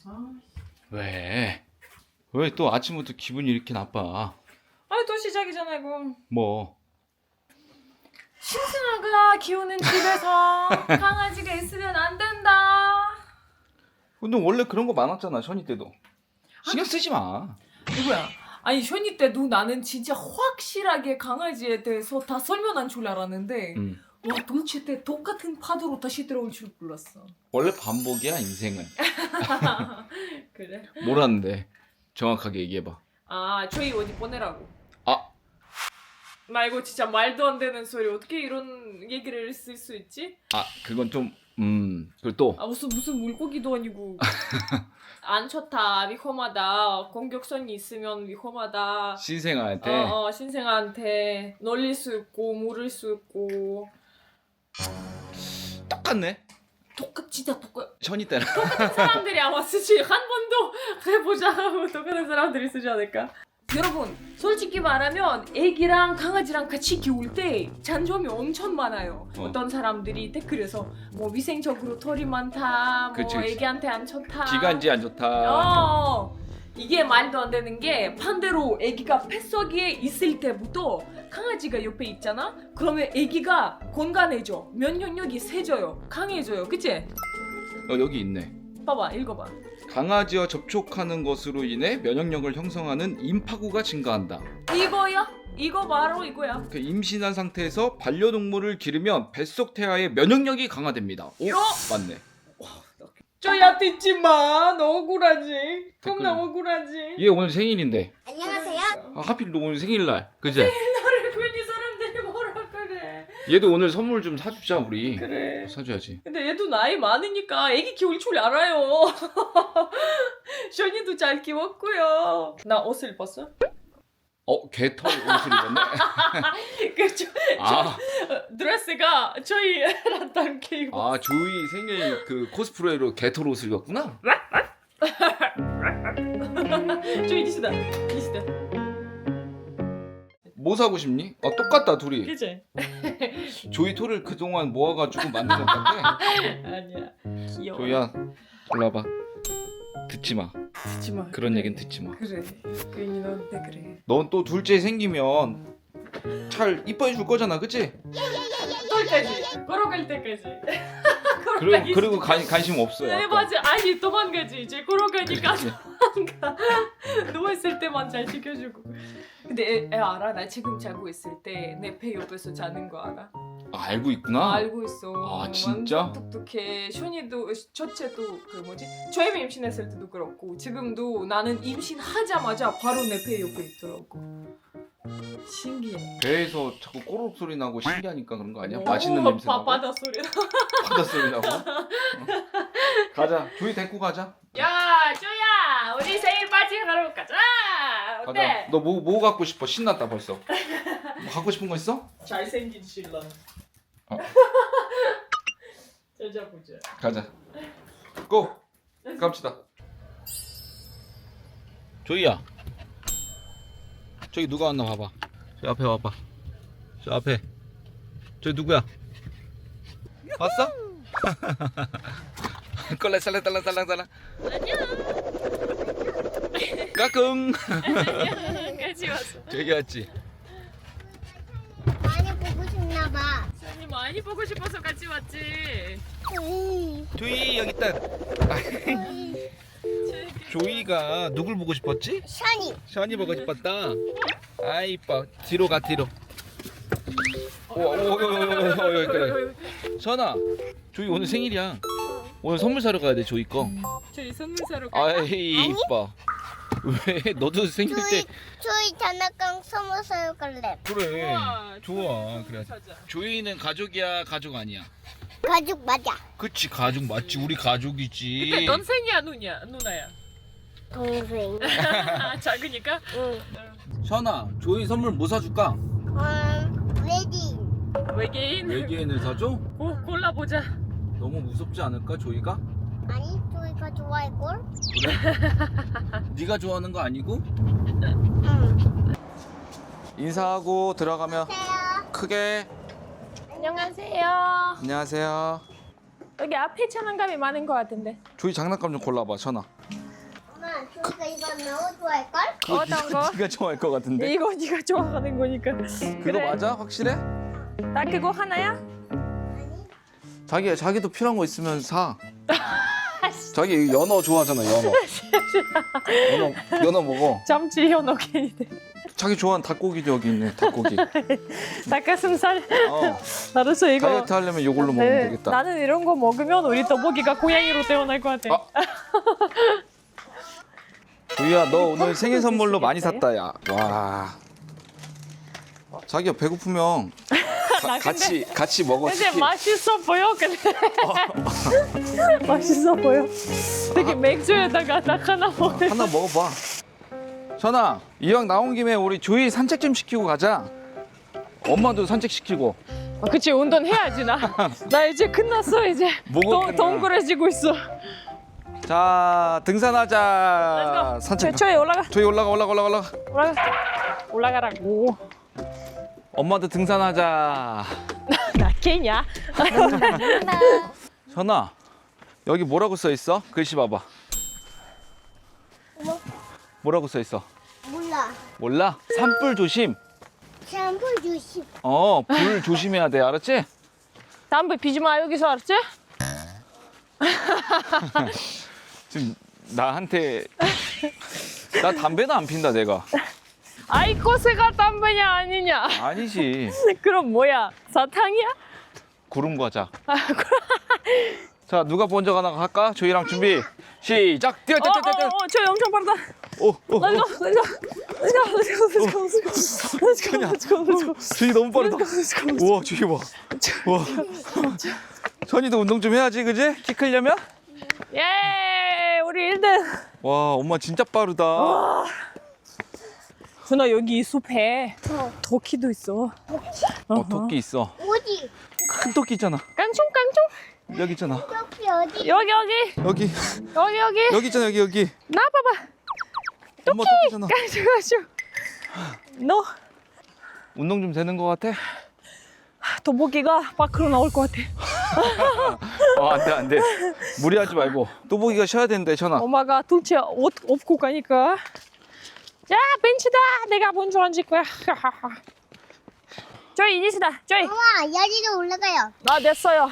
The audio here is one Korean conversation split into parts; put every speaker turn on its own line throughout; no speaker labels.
아,
왜? 왜 또 아침부터 기분이 이렇게 나빠?
또 시작이잖아 이거.
뭐?
신승아가 키우는 집에서 강아지가 있으면 안 된다.
근데 원래 그런 거 많았잖아, 션이 때도. 신경 쓰지 마.
누구야? 아니 션이 때도 나는 진짜 확실하게 강아지에 대해서 다 설명한 줄 알았는데 와 도대체 때 똑같은 파도로 다시 들어올 줄 몰랐어.
원래 반복이야, 인생은.
그래?
뭐라는데? 정확하게 얘기해봐.
아 저희 어디 보내라고.
아,
나 이거 진짜 말도 안 되는 소리 어떻게 이런 얘기를 쓸 수 있지?
그건 좀, 그리고 또.
아 무슨 물고기도 아니고 안 좋다 위험하다 공격성이 있으면 위험하다
신생아한테.
신생아한테 놀릴 수 있고 물을 수 있고
똑같네.
진짜 똑같
션이 때랑.
사람들이 아마 쓰지 한 번도 해보자 하고 똑같은 사람들이 쓰지 않을까? 여러분 솔직히 말하면 애기랑 강아지랑 같이 키울 때 잔점이 엄청 많아요. 어떤 사람들이 댓글에서 뭐 위생적으로 털이 많다, 뭐
그치.
애기한테 안 좋다,
기관지 안 좋다.
이게 말도 안 되는 게 반대로 애기가 뱃속에 있을 때부터 강아지가 옆에 있잖아? 그러면 애기가 건강해져, 면역력이 세져요, 강해져요, 그치?
여기 있네.
봐봐, 읽어봐.
강아지와 접촉하는 것으로 인해 면역력을 형성하는 임파구가 증가한다.
이거야? 이거 바로 이거야.
임신한 상태에서 반려동물을 기르면 뱃속 태아의 면역력이 강화됩니다. 오, 맞네.
저야 듣지 마. 너 억울하지.
댓글.
겁나 억울하지.
얘 오늘 생일인데.
안녕하세요.
하필 너 오늘 생일날. 그지?
나를 괜히 사람들이 뭐라 그래.
얘도 오늘 선물 좀 사주자 우리.
그래.
사줘야지.
근데 얘도 나이 많으니까 애기 키울 줄 알아요. 션이도 잘 키웠고요. 나 옷을 입었어?
개털 옷을 입었네.
그죠? 드레스가 저희랑 닮게 입었어.
조이 생일 그 코스프레로 개털 옷을 입었구나.
저희 니시다.
뭐 사고 싶니? 똑같다 둘이.
그치?
조이 털을 그동안 모아가지고 만든 것 같아.
아니야. 귀여워.
조이야, 올라봐. 듣지 마.
듣지 마.
그런
그래.
얘기는 듣지 마.
그래. 괜히 너한테 그래.
넌 또 둘째 생기면 잘 이뻐해 줄 거잖아, 그치?
똘까지. 걸어갈 때까지.
그리고 관심 없어요.
네
아까.
맞아. 아니 도망가지 이제 걸어가니까
그치?
도망가. 누워있을 때만 잘 지켜주고. 근데 애 알아? 나 지금 자고 있을 때 내 배 옆에서 자는 거 알아?
알고 있구나.
알고 있어.
진짜?
완전 똑똑해. 션이도 첫째도 그 뭐지? 저희 임신했을 때도 그렇고 지금도 나는 임신하자마자 바로 내 배 옆에 있더라고. 신기해.
배에서 자꾸 꼬르륵 소리 나고 신기하니까 그런 거 아니야?
오,
맛있는 냄새 나고?
바다 소리 나.
바다 소리 나고? 가자. 조이 데리고 가자.
야, 쪼야, 우리 생일 파티 하러 가자. 어때?
가자. 너 뭐 갖고 싶어? 신났다 벌써. 뭐 갖고 싶은 거 있어?
잘생긴 신랑. 찾아보자.
가자. 고! 갑시다. 조이야. 저기 누가 왔나 봐봐. 저 앞에 와봐. 저 앞에. 저기 누구야? 왔어? 꼴레살레살랑살랑.
안녕.
까꿍.
같이 왔어.
저기 왔지?
많이 보고 싶나 봐.
선이 많이 보고 싶어서 같이 왔지.
조이 여기 있다. 조이가 누굴 보고 싶었지?
샤니.
션이 보고 싶었다. 아 이뻐. 뒤로 가 뒤로. 그래. 션아, 조이 오늘 생일이야. 오늘 선물 사러 가야 돼 조이 거.
저희 선물 사러 가.
아이 이뻐. 왜 너도 생일 때
저희 장난감 선물 사러 갈래.
그래.
우와,
좋아. 그래.
사자.
조이는 가족이야 가족 아니야?
가죽 맞아.
그치 가족 맞지. 우리 가족이지.
근데 넌 생이야 누나야?
동생.
작으니까?
응.
션아, 조이 선물 뭐 사줄까?
레디.
외계인?
외계인을 사줘?
골라보자.
너무 무섭지 않을까 조이가?
아니, 저희가 좋아할걸?
그래? 네가 좋아하는 거 아니고?
응.
인사하고 들어가면
안녕하세요.
크게
안녕하세요.
안녕하세요.
여기 앞에 장난감이 많은 것 같은데.
조이 장난감 좀 골라봐 션아.
이거 너무 좋아할걸?
어떤 거?
네가 좋아할 것 같은데.
이거 네가 좋아하는 거니까.
그거
그래.
맞아? 확실해?
나 그거 하나야?
자기도 필요한 거 있으면 사. 자기 연어 좋아하잖아, 연어. 연어 먹어.
잠시 현혹이네.
자기 좋아하는 닭고기도 여기 있네, 닭고기.
닭가슴살.
어.
알았어 이거.
다이어트 하려면 이걸로 먹으면
네,
되겠다.
나는 이런 거 먹으면 우리 떠보기가 고양이로 태어날 것 같아.
아. 주희야, 너 오늘 생일 선물로 많이 샀다, 야. 와. 자기야, 배고프면
나
같이 먹어.
근데
치킨.
맛있어 보여. 근데 맛있어 보여. 되게 맥주에다가 딱 하나 먹어.
하나 먹어봐. 전아, 이왕 나온 김에 우리 주희 산책 좀 시키고 가자. 엄마도 산책 시키고.
그치 운동해야지 나. 나 이제 끝났어 이제.
뭐가 끝나?
동그래지고 있어.
자, 등산하자. 산책.
저에 올라가.
저희 올라가.
올라가라고.
엄마도 등산하자.
나 개냐?
전아, 여기 뭐라고 써 있어? 글씨 봐봐. 뭐라고 써 있어?
몰라.
몰라? 산불 조심.
샴푸 주십.
불 조심해야 돼. 알았지?
담배 피지 마 여기서 알았지?
지금 나한테 나 담배도 안 핀다 내가.
아이코스가 담배냐 아니냐?
아니지.
그럼 뭐야? 사탕이야?
구름 과자. 자, 누가 먼저 가나 할까? 저희랑 준비 시작. 뛰어.
저 엄청 빠르다. Let's go.
저희 너무 빠르다. 우와, 저희 봐. 우와. 전이도 운동 좀 해야지, 그지? 키 크려면?
예, 우리 1등.
와, 엄마 진짜 빠르다.
준아 여기 이 숲에 토끼도 있어.
토끼 있어.
어디?
큰 토끼 있잖아.
깡총.
여기 있잖아.
여기 어디?
여기
여기 있잖아. 여기.
나 봐봐.
엄마 토끼잖아.
깡총. 너
운동 좀 되는 것 같아?
도보기가 밖으로 나올 것 같아.
안 돼. 무리하지 말고. 또보기가 쉬어야 되는데, 전화.
엄마가 둘째 옷 업고 가니까. 야 벤치다. 내가 먼저 앉을 거야. 저희 이니스다. 저희.
엄마 여기로 올라가요.
나 됐어요.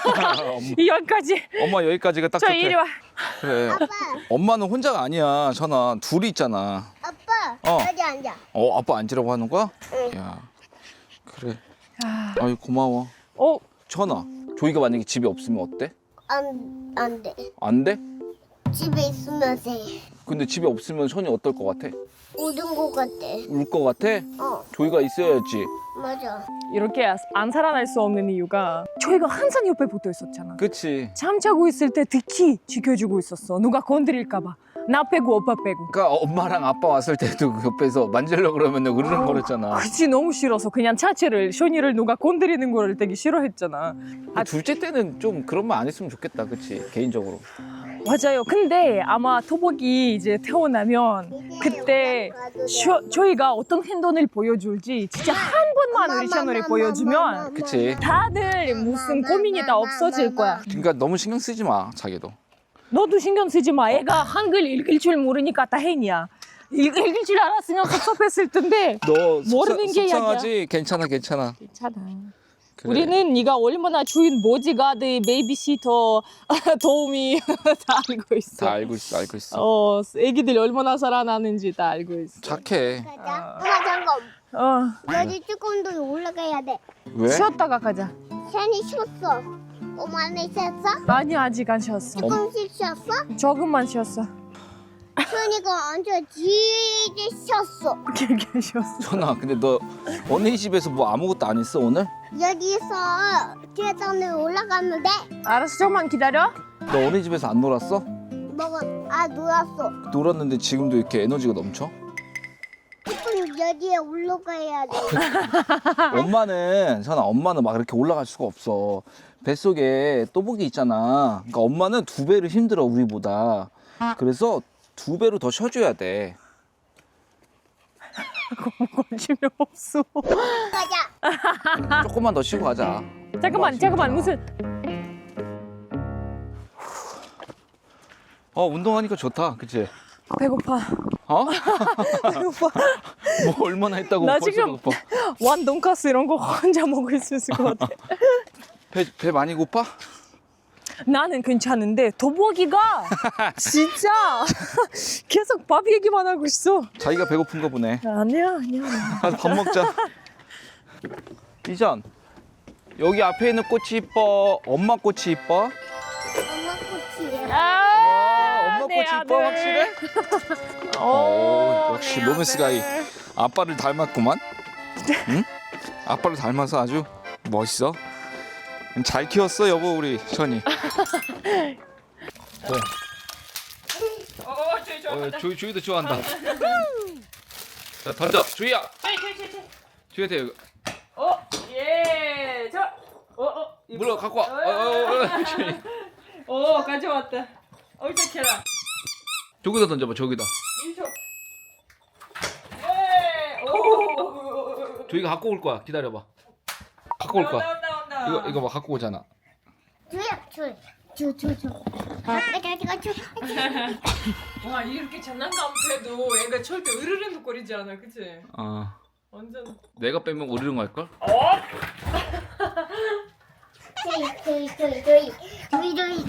여기까지.
엄마 여기까지가 딱
저
좋대.
이리 와.
그래.
아빠.
엄마는 혼자가 아니야, 전화. 둘이 있잖아.
아빠. 여기 앉아.
아빠 앉으라고 하는 거야?
응.
야, 그래. 아유, 고마워. 전화. 조이가 만약에 집에 없으면 어때?
안 돼.
안 돼?
집에 있으면 돼.
근데 집에 없으면 선이 어떨 것 같아?
우는 것 같아.
울 것 같아? 조이가 있어야지.
맞아.
이렇게 안 살아날 수 없는 이유가 저희가 항상 옆에 붙어 있었잖아.
그치.
잠자고 있을 때 특히 지켜주고 있었어. 누가 건드릴까 봐. 나 빼고 오빠 빼고.
그러니까 엄마랑 아빠 왔을 때도 그 옆에서 만지려고 그러면 으르렁거렸잖아.
그치 너무 싫어서 그냥 자체를 쇼니를 누가 건드리는 거를 되게 싫어했잖아.
둘째 때는 좀 그런 말 안 했으면 좋겠다, 그치? 개인적으로.
맞아요. 근데 아마 토복이 이제 태어나면 그때 저희가 어떤 행동을 보여줄지 진짜 한 번만 우리 채널에 보여주면
그치.
다들 무슨 고민이 다 없어질 거야.
그러니까 너무 신경 쓰지 마, 자기도.
너도 신경 쓰지 마. 애가 한글 읽을 줄 모르니까 다행이야. 읽을 줄 알았으면 섭섭했을 텐데.
너
모르는 게
속상하지? 괜찮아.
괜찮아.
그래.
우리는 네가 얼마나 주인 보디가드, 베이비시터 도우미 다 알고 있어.
다 알고 있어.
애기들 얼마나 살아나는지 다 알고 있어.
착해.
가자. 엄마 잠깐. 여기 조금 더 올라가야 돼.
왜?
쉬었다가 가자.
샌이 쉬었어. 엄마는 쉬었어?
아니 아직 안 쉬었어.
조금씩 쉬었어?
조금만 쉬었어.
손이가 완전 길게 쉬었어.
길게 쉬었어.
전아, 근데 너 언니 집에서 뭐 아무것도 안 했어, 오늘?
여기서 계단에 올라가면 돼.
알았어, 조금만 기다려.
너 언니 집에서 안 놀았어?
놀았어.
놀았는데 지금도 이렇게 에너지가 넘쳐?
조금 여기에 올라가야 돼.
엄마는 막 이렇게 올라갈 수가 없어. 뱃속에 또복이 있잖아. 그러니까 엄마는 2배를 힘들어, 우리보다. 그래서 2배로 더 쉬어줘야 돼.
관심이 없어.
가자.
조금만 더 쉬고 가자.
잠깐만 무슨
운동하니까 좋다, 그치?
배고파.
어?
배고파.
뭐 얼마나 했다고
나
벌써
지금
배고파.
완 돈가스 이런 거 혼자 먹을 수 있을 것 같아.
배 많이 고파?
나는 괜찮은데 도복이가 진짜 계속 밥 얘기만 하고 있어.
자기가 배고픈가 보네.
아니야.
가서 밥 먹자. 이전, 여기 앞에 있는 꽃이 이뻐? 엄마 꽃이 이뻐?
엄마 꽃이야.
엄마 꽃이 이뻐? 확실해? 역시 로맨스가이. 아빠를 닮았구만. 응? 아빠를 닮아서 아주 멋있어. 잘 키웠어 여보 우리 선이. 주희도 좋아한다. 자 던져 주희야. 주희한테 이거
예.
물어 갖고 와.
가져왔다. 어떡해라.
저기다 던져봐 저기다. 주희가 갖고 올 거야. 기다려봐. 갖고 올 거야. 이거 봐 갖고 오잖아.
주야, 줘. 내가 줘.
와 이렇게 장난감 해도 애가 절대 으르렁 거리지 않아, 그치? 완전.
내가 빼면 오르릉 할 걸?
조이.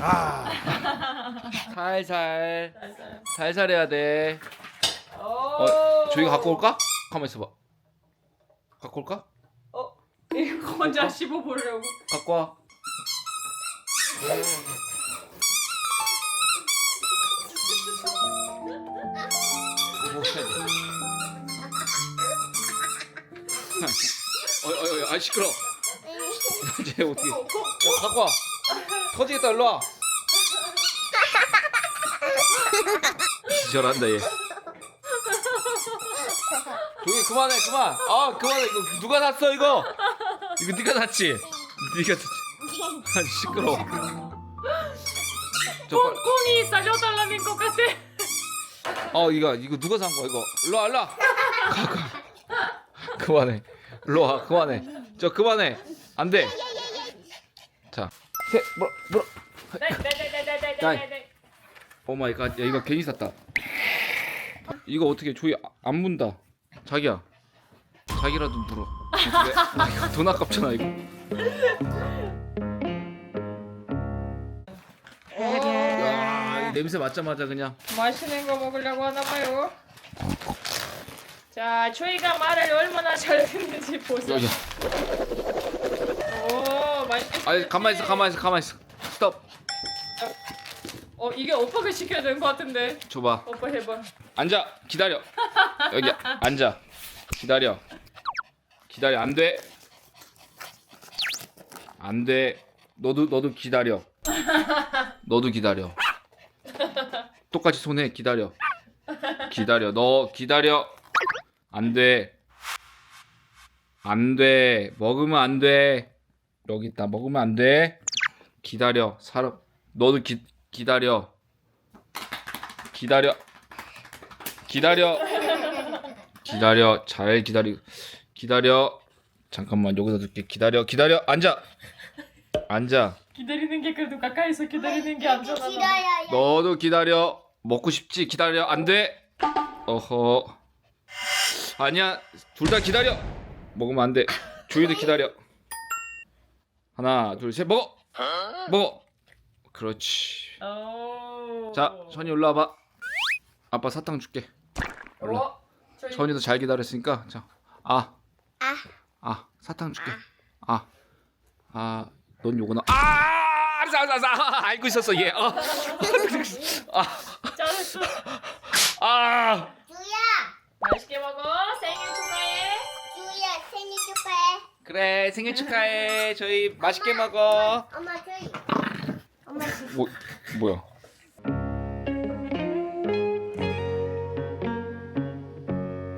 살살 해야 돼. 주희가 갖고 올까? 가만 있어봐. 갖고 올까?
이거 혼자 씹어보려고.
갖고 와. 아 시끄러. 이제 어떻게? 야, 갖고 와. 터지겠다 일로 와. 기절한다 얘. 조이 그만해 그만. 그만해. 이거 누가 샀어 이거? 이거 네가 샀지? 네가 샀지? 아 시끄러워.
꽁꽁이 싸줘달라는 것 같아.
이거 누가 산 거야 이거? 일로 와 일로 와. 그만해. 일로 와 그만해. 저 그만해. 안 돼. 자, 물어.
네.
오 마이 갓. 야 이거 괜히 샀다. 이거 어떻게 조이 안 문다. 자기야. 자기라도 물어. 이거 돈 아깝잖아 이거. 야, 이 냄새 맡자마자 그냥.
맛있는 거 먹으려고 하나 봐요. 자, 초이가 말을 얼마나 잘 듣는지 보세요.
야.
오, 맛있겠다.
아니 가만히 있어. 스톱.
이게 오빠가 시켜야 되는 것 같은데.
줘봐.
오빠 해봐.
앉아. 기다려. 여기 앉아. 기다려. 안 돼. 안 돼. 너도 기다려. 너도 기다려. 똑같이 손해. 기다려. 너 기다려. 안 돼. 안 돼. 먹으면 안 돼. 여기 있다. 먹으면 안 돼. 기다려. 너도 기다려. 잘 기다려. 잠깐만 여기서 듣게. 기다려. 앉아.
기다리는 게 그래도 가까이서 기다리는 게 안전하다.
기다려요.
너도 기다려. 먹고 싶지? 기다려. 안 돼. 어허. 아니야. 둘 다 기다려. 먹으면 안 돼. 주희도 기다려. 하나, 둘, 셋. 먹어. 그렇지. 자, 선이 올라와봐. 아빠 사탕 줄게. 올라. 선이도 잘 기다렸으니까. 자, 사탕 줄게. 넌 요거나. 알고 있었어 얘.
잘했어.
주야,
맛있게 먹어. 생일 축하해.
주야 생일 축하해.
그래 생일 축하해. 저희 맛있게 먹어.
엄마 주이. 엄마 주이.
뭐야?